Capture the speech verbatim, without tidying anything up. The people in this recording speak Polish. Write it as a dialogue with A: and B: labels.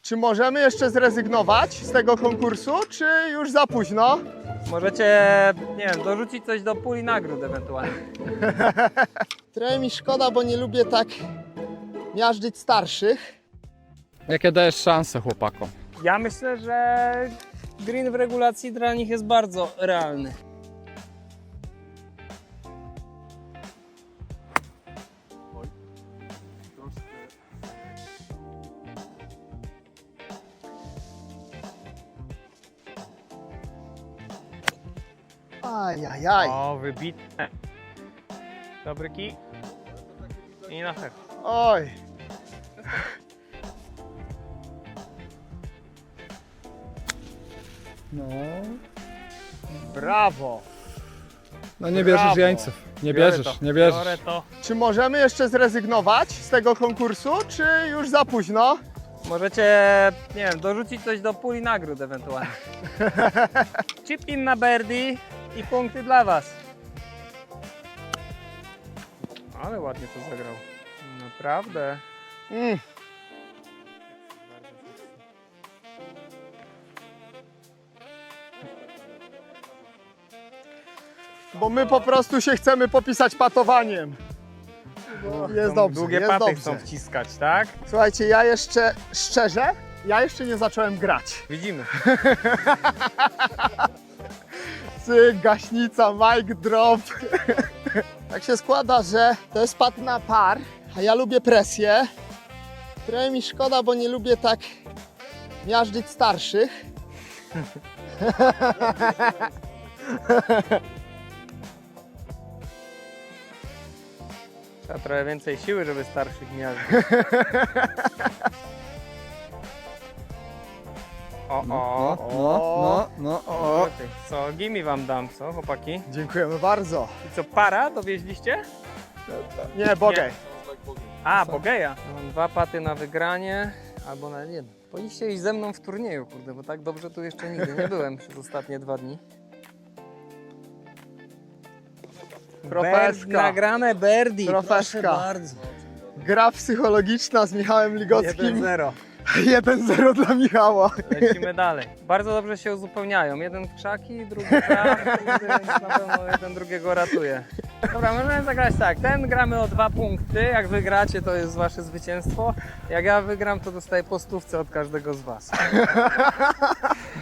A: Czy możemy jeszcze zrezygnować z tego konkursu, czy już za późno?
B: Możecie, nie wiem, dorzucić coś do puli nagród ewentualnie.
A: Trochę mi szkoda, bo nie lubię tak miażdżyć starszych.
C: Jakie dajesz szanse chłopakom?
B: Ja myślę, że green w regulacji dla nich jest bardzo realny.
A: Ajajaj.
B: O, wybitne. Dobry kij. I na hek.
A: Oj.
C: No.
A: Brawo.
C: No nie
A: Brawo.
C: bierzesz jeńców. Nie bierzesz, nie bierzesz.
B: Biorę to.
A: Czy możemy jeszcze zrezygnować z tego konkursu, czy już za późno?
B: Możecie, nie wiem, dorzucić coś do puli nagród ewentualnie. Chip in na birdie i punkty dla was. Ale ładnie to zagrał. Naprawdę.
A: Mm. Bo my po prostu się chcemy popisać patowaniem. Jest
B: Tą
A: dobrze,
B: Długie
A: jest
B: paty
A: dobrze.
B: chcą wciskać, tak?
A: Słuchajcie, ja jeszcze, szczerze, ja jeszcze nie zacząłem grać.
B: Widzimy.
A: Cyk, gaśnica, mic drop. Tak się składa, że to jest pad na par, a ja lubię presję. Trochę mi szkoda, bo nie lubię tak miażdżyć starszych.
B: Trzeba trochę więcej siły, żeby starszych miażdżyć. O,
C: No,
B: o,
C: no, no, no, o.
B: o. Co, gimi wam dam, co chłopaki?
A: Dziękujemy bardzo.
B: I co, para dowieźliście?
A: Nie, bogej.
B: A, Bogeja. Mam dwa paty na wygranie, albo na jeden. Powinniście iść ze mną w turnieju, kurde, bo tak dobrze tu jeszcze nigdy nie byłem przez ostatnie dwa dni.
A: Profeska.
B: Ber- nagrane birdie,
A: Profeska.
B: proszę bardzo.
A: Gra psychologiczna z Michałem Ligockim.
B: jeden zero.
A: jeden zero dla Michała.
B: Lecimy dalej. Bardzo dobrze się uzupełniają. Jeden w krzaki, drugi tak, więc na pewno jeden drugiego ratuje. Dobra, możemy zagrać tak. Ten gramy o dwa punkty. Jak wygracie, to jest wasze zwycięstwo. Jak ja wygram, to dostaję po stówce od każdego z was.